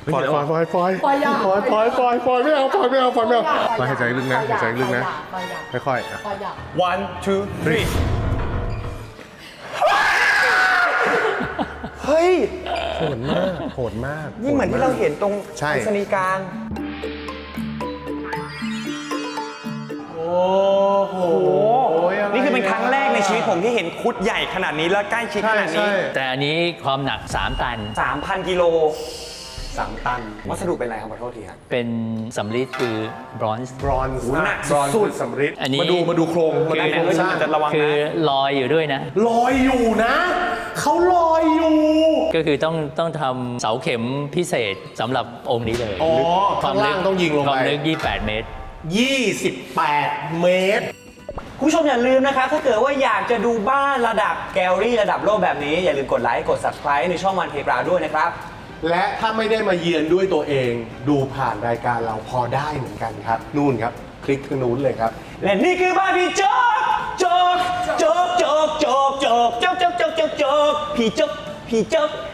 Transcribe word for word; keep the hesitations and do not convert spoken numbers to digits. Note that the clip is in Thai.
ปล่อยปล่อยปล่อยปล่อยปล่อยอย่าปล่อยปล่อยปล่อยปล่อยไม่เอาปล่อยไม่เอาปล่อยไม่เอาปล่อยอย่าหายใจลึกนะหายใจลึกนะปล่อยอย่าค่อยๆอ่ะปล่อยอย่า one two three เฮ้ยโหดมากโหดมากนี่เหมือนที่เราเห็นตรงใช่ไปรษณีย์กลางโอ้โหนี่คือเป็นครั้งแรกในชีวิตผมที่เห็นคุดใหญ่ขนาดนี้และใกล้ชิดขใช่นาดนี้ใช่แต่อันนี้ความหนักสามตันสามพันกิโลสามตัน วัสดุเป็นอะไรครับขอโทษทีครับเป็นสำริดคือบรอนซ์บรอนซ์โอ้โหหนักบรอนซ์สุดคือสำริดอันนี้มาดูมาดูโครงมาดูโครงสร้างจะระวังคือนะลอยอยู่ด้วยนะลอยอยู่นะ เขาลอยอยู่ก็คือต้องต้องทำเสาเข็มพิเศษสำหรับองค์นี้เลยอ๋อควาข้าม งลึล่าก งต้องยิงลงควาไปมลึกยี่สิบแปดเมตรยี่สิบแปดเมตรคุณผู้ชมอย่าลืมนะครับ ถ้าเกิดว่าอยากจะดูบ้านระดับแกลลี่ระดับโลกแบบนี้ อย่าลืมกดไลค์กด subscribe ในช่องวันเพลาด้วยนะครับและถ้าไม่ได้มาเยือนด้วยตัวเอง ดูผ่านรายการเราพอได้เหมือนกันครับ นู่นครับ คลิกทางนู้นเลยครับและนี่คือบ้านพี่โจ๊กโจ๊กโจ๊กโจ๊กโจ๊กโจ๊กโจ๊กโจ๊กโจ๊กโจ๊กโจ๊กพี่โจ๊กพี่โจ๊ก